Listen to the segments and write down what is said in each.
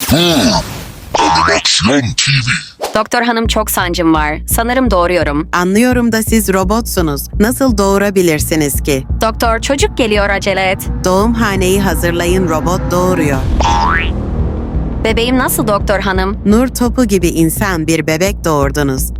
Animasyon TV. Doktor hanım çok sancım var. Sanırım doğuruyorum. Anlıyorum da siz robotsunuz. Nasıl doğurabilirsiniz ki? Doktor çocuk geliyor acele et. Doğumhaneyi hazırlayın, robot doğuruyor. Bebeğim nasıl doktor hanım? Nur topu gibi insan bir bebek doğurdunuz.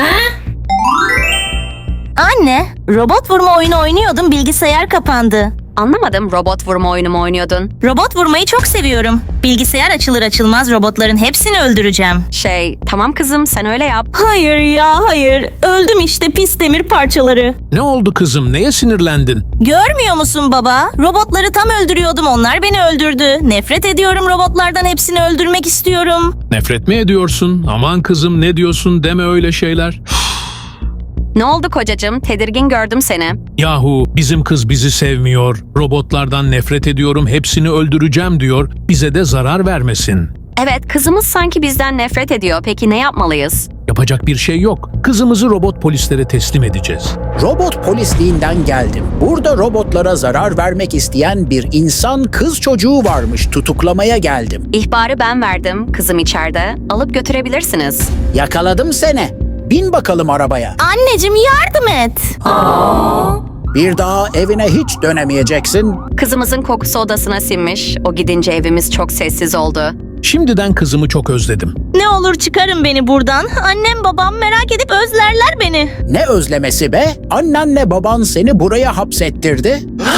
Anne, robot vurma oyunu oynuyordum, bilgisayar kapandı. Anlamadım, robot vurma oyunu mu oynuyordun? Robot vurmayı çok seviyorum. Bilgisayar açılır açılmaz robotların hepsini öldüreceğim. Tamam kızım sen öyle yap. Hayır ya hayır. Öldüm işte pis demir parçaları. Ne oldu kızım? Neye sinirlendin? Görmüyor musun baba? Robotları tam öldürüyordum, onlar beni öldürdü. Nefret ediyorum robotlardan, hepsini öldürmek istiyorum. Nefret mi ediyorsun? Aman kızım ne diyorsun, deme öyle şeyler. Ne oldu kocacığım? Tedirgin gördüm seni. Yahu bizim kız bizi sevmiyor. Robotlardan nefret ediyorum, hepsini öldüreceğim diyor. Bize de zarar vermesin. Evet, kızımız sanki bizden nefret ediyor. Peki ne yapmalıyız? Yapacak bir şey yok. Kızımızı robot polislere teslim edeceğiz. Robot polisliğinden geldim. Burada robotlara zarar vermek isteyen bir insan kız çocuğu varmış. Tutuklamaya geldim. İhbarı ben verdim. Kızım içeride. Alıp götürebilirsiniz. Yakaladım seni. Bin bakalım arabaya. Anneciğim yardım et. Bir daha evine hiç dönemeyeceksin. Kızımızın kokusu odasına sinmiş. O gidince evimiz çok sessiz oldu. Şimdiden kızımı çok özledim. Ne olur çıkarın beni buradan. Annem babam merak edip özlerler beni. Ne özlemesi be? Annenle baban seni buraya hapsettirdi.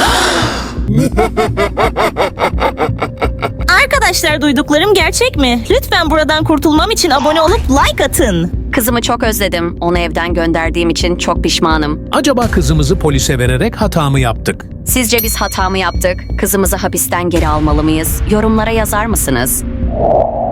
Arkadaşlar duyduklarım gerçek mi? Lütfen buradan kurtulmam için abone olup like atın. Kızımı çok özledim. Onu evden gönderdiğim için çok pişmanım. Acaba kızımızı polise vererek hata mı yaptık? Sizce biz hata mı yaptık? Kızımızı hapisten geri almalı mıyız? Yorumlara yazar mısınız?